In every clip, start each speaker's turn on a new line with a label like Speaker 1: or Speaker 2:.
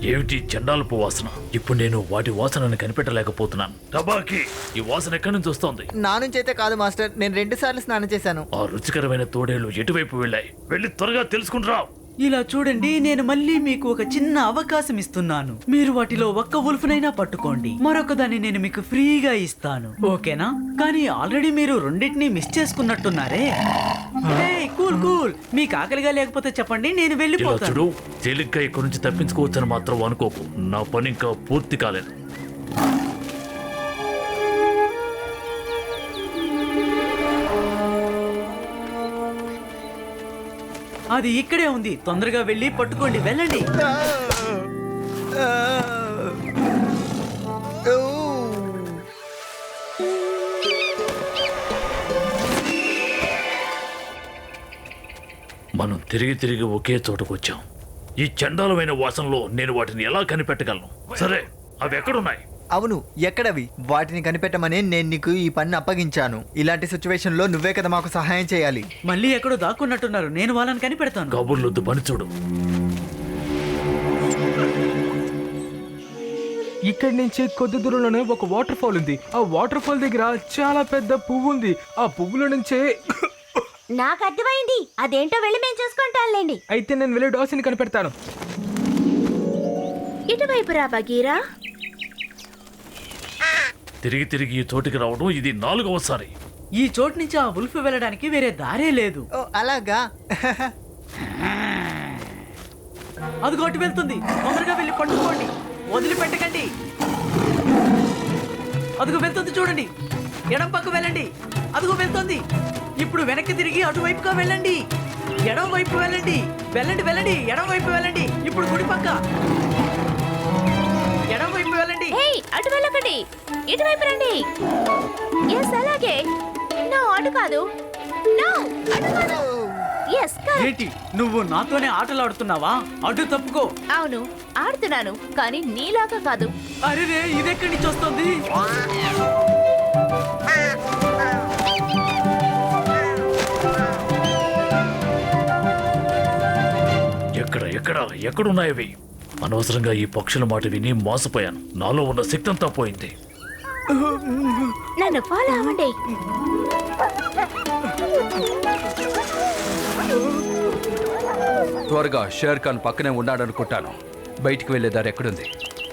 Speaker 1: ఏమిటి చండాలపు వాసన? ఇప్పుడు నేను వాటి వాసనను కనిపెట్టలేకపోతున్నాను. టబాకి, ఈ వాసన ఎక్కడి నుంచి వస్తోంది?
Speaker 2: నా నుంచి అయితే కాదు మాస్టర్, నేను 2 సార్లు స్నానం చేశాను.
Speaker 1: ఆ రుచికరమైన తోడేళ్లు ఎటువైపు వెళ్ళాయి? వెళ్ళి త్వరగా తెలుసుకుంటురా.
Speaker 3: ఇలా చూడండి, నేను మళ్ళీ మీకు ఒక చిన్న అవకాశం ఇస్తున్నాను. మీరు వాటిలో ఒక్క ఉల్ఫ్నైనా పట్టుకోండి, మరొక దాన్ని నేను మీకు ఫ్రీగా ఇస్తాను, ఓకేనా? కానీ ఆల్రెడీ మీరు రెండింటినీ మిస్ చేసుకున్నట్టున్నారే. కూల్ కూల్, మీకు ఆకలిగా లేకపోతే చెప్పండి, నేను
Speaker 1: ఇలా
Speaker 3: వెళ్ళిపోతాను.
Speaker 1: చూడు, తేలిగ్గా ఇక్కడి నుంచి తప్పించుకోవచ్చని మాత్రం అనుకోకు. నా పని ఇంకా పూర్తి కాలేదు.
Speaker 3: అది ఇక్కడే ఉంది, తొందరగా వెళ్ళి పట్టుకోండి, వెళ్ళండి.
Speaker 1: మనం తిరిగి తిరిగి ఒకే చోటకు వచ్చాం. ఈ చండాలమైన వాసనలో నేను వాటిని ఎలా కనిపెట్టగలను? సరే, అవి ఎక్కడున్నాయి?
Speaker 2: అవును, ఎక్కడవి? వాటిని కనిపెట్టమని నేను నీకు ఈ పని అప్పగించాను. ఇలాంటి సిచ్యువేషన్ లో నువ్వే కదా మాకు సహాయం చేయాలి.
Speaker 3: మళ్ళీ ఎక్కడో దాక్కున్నట్టున్నారు, నేను వాళ్ళని కనిపెడతాను.
Speaker 1: కబుర్లొద్దు, పని చూడు.
Speaker 4: ఇక్కడి నుంచి కొద్ది దూరంలోనే ఒక వాటర్ ఫాల్ ఉంది. ఆ వాటర్ ఫాల్ దగ్గర చాలా పెద్ద పువ్వు ఉంది. ఆ పువ్వుల నుంచే
Speaker 5: నాకు అర్థమైంది, అదేంటో వెళ్ళి మేము చూసుకుంటాంలేండి.
Speaker 4: అయితే నేను వెళ్ళి డాసిని కనిపెడతాను.
Speaker 5: ఇటువైపు రా బగీరా.
Speaker 1: తిరిగి తిరిగి ఈ చోటికి రావడం ఇది 4వసారి.
Speaker 3: ఈ చోటు నుంచి ఆ ఉల్ఫ్ వెళ్ళడానికి వేరే దారే లేదు.
Speaker 2: ఓ అలాగా?
Speaker 3: అదిగో అటు వెళ్తుంది, తొందరగా వెళ్ళి పట్టుకోండి, వదిలిపెట్టకండి. అదిగో వెళ్తుంది చూడండి, ఎడం పక్క వెళ్ళండి. అదిగో వెళ్తుంది, ఇప్పుడు వెనక్కి తిరిగి అటువైపుగా వెళ్ళండి, ఎడం వైపు వెళ్ళండి. వెళ్ళండి వెళ్ళండి, ఎడం వైపు వెళ్ళండి. ఇప్పుడు కుడి పక్క, ఎడం వైపు వెళ్ళండి.
Speaker 5: అటు వెళ్ళకండి, ఇటువైపు రండి. ఎస్ అలాగే. నో అటు కాదు, నో అటు కాదు. Yes correct.
Speaker 3: ఏంటి, నువ్వు నాతోనే ఆటలు ఆడుతున్నావా? అటు తప్పుకో.
Speaker 5: అవును ఆడుతున్నాను, కానీ నీలాగా కాదు.
Speaker 3: అరే రే, ఇదెక్కడి నుంచి వస్తుంది?
Speaker 1: ఎక్కడ ఎక్కడ ఎక్కడున్నాయవి? అనవసరంగా ఈ పక్షుల మాట విని మోసపోయాను. నాలో ఉన్న శక్తి అంతా పోయింది.
Speaker 5: నన్ను ఫాలో అవ్వండి.
Speaker 6: త్వరగా షేర్ ఖాన్ పక్కనే ఉన్నాడనుకుంటాను. బయటికి వెళ్లే దారి ఎక్కడుంది?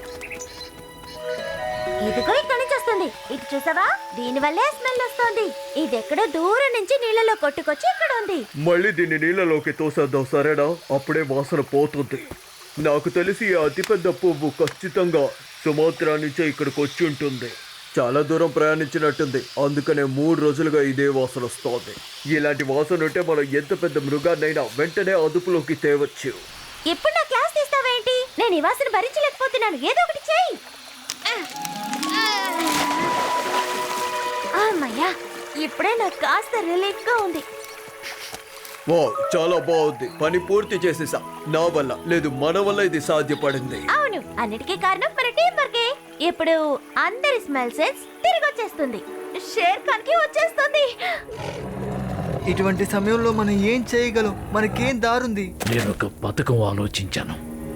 Speaker 5: ఇదిగో ఇక్కడి నుంచి వస్తుంది. ఇటు చూసావా, దీని వల్లే స్మెల్ వస్తుంది. ఇది ఎక్కడో దూరం నుంచి నీళ్ళలో కొట్టుకొచ్చి ఇక్కడ ఉంది.
Speaker 7: మళ్ళీ దీన్ని నీళ్ళలోకి తోసేద్దాం, సరేనా? అప్పుడే వాసన పోతుంది. నాకు తెలిసి ఈ అతిపెద్ద పువ్వు ఖచ్చితంగా సుమాత్రా నుంచే ఇక్కడికి వచ్చి ఉంటుంది. చాలా దూరం ప్రయాణించినట్టుంది, అందుకనే 3 రోజులుగా ఇదే వాసన వస్తోంది. ఇలాంటి వాసన ఉంటే మనం ఎంత పెద్ద మృగాన్నైనా వెంటనే అదుపులోకి తేవచ్చు.
Speaker 5: ఇప్పుడు నా క్లాస్ తీస్తావేంటి? నేను ఈ వాసన భరించలేకపోతున్నాను, ఏదో ఒకటి చేయి. అమ్మయ్యా, ఇప్పుడే నాకు కాస్త రిలీఫ్ గా ఉంది.
Speaker 7: వా, చాలా బాగుంది. పని పూర్తి చేసేసా. నా వల్ల లేదు, మన వల్ల ఇది సాధ్యపడింది.
Speaker 5: అవును, అన్నిటికీ కారణం మన టీం వర్కే. ఇప్పుడు అందరి స్మెల్ సెన్స్ తిరిగి వచ్చేస్తుంది, షేర్ ఖాన్ కి వచ్చేస్తుంది.
Speaker 2: ఇటువంటి సమయంలో మనం ఏం చేయగలం? మనకేం దారుంది?
Speaker 1: నేను ఒక పథకం ఆలోచించాను.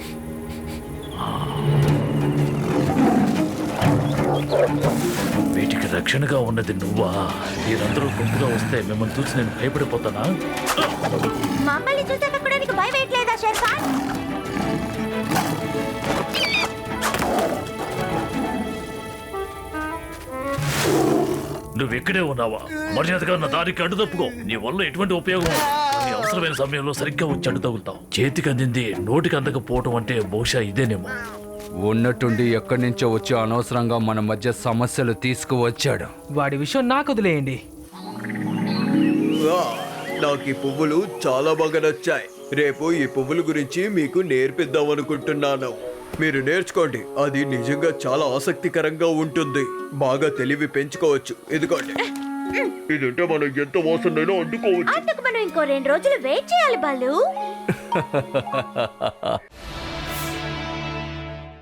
Speaker 1: వీటికి రక్షణగా ఉన్నది నువ్వా? మీరందరూ గుంపుగా వస్తే మిమ్మల్ని చూసి నేను భయపడిపోతానా?
Speaker 5: మమ్మల్ని చూసాక కూడా నీకు భయం వేయట్లేదా షేర్ ఖాన్?
Speaker 1: నువ్వు ఇక్కడే ఉన్నావా? మర్యాదగా నా దారికి అడ్డు తప్పుకో. నీ వల్ల ఎటువంటి ఉపయోగం? నీ అవసరమైన సమయంలో సరిగ్గా వచ్చి అడ్డు తగులుతావు. చేతికి అందింది నోటికి అందకపోవటం అంటే బహుశా ఇదేనేమో.
Speaker 6: ఉన్నట్టుండి ఎక్కడి నుంచో వచ్చి అనవసరంగా మన మధ్య సమస్యలు తీసుకువచ్చాడు.
Speaker 4: వాడి విషయం నాకు వదిలేయండి.
Speaker 7: వా, నాకు ఈ పువ్వులు చాలా బాగా నచ్చాయి. రేపు ఈ పువ్వుల గురించి మీకు నేర్పిద్దాం అనుకుంటున్నాను. మీరు నేర్చుకోండి, అది నిజంగా చాలా ఆసక్తికరంగా ఉంటుంది. బాగా తెలివి పెంచుకోవచ్చు. ఇదిగోండి, ఇదంటే మనం ఎంత వాసనైనా వండుకోవచ్చు.
Speaker 5: అందుకు మనం ఇంకో 2 రోజులు వెయిట్ చేయాలి బాలు.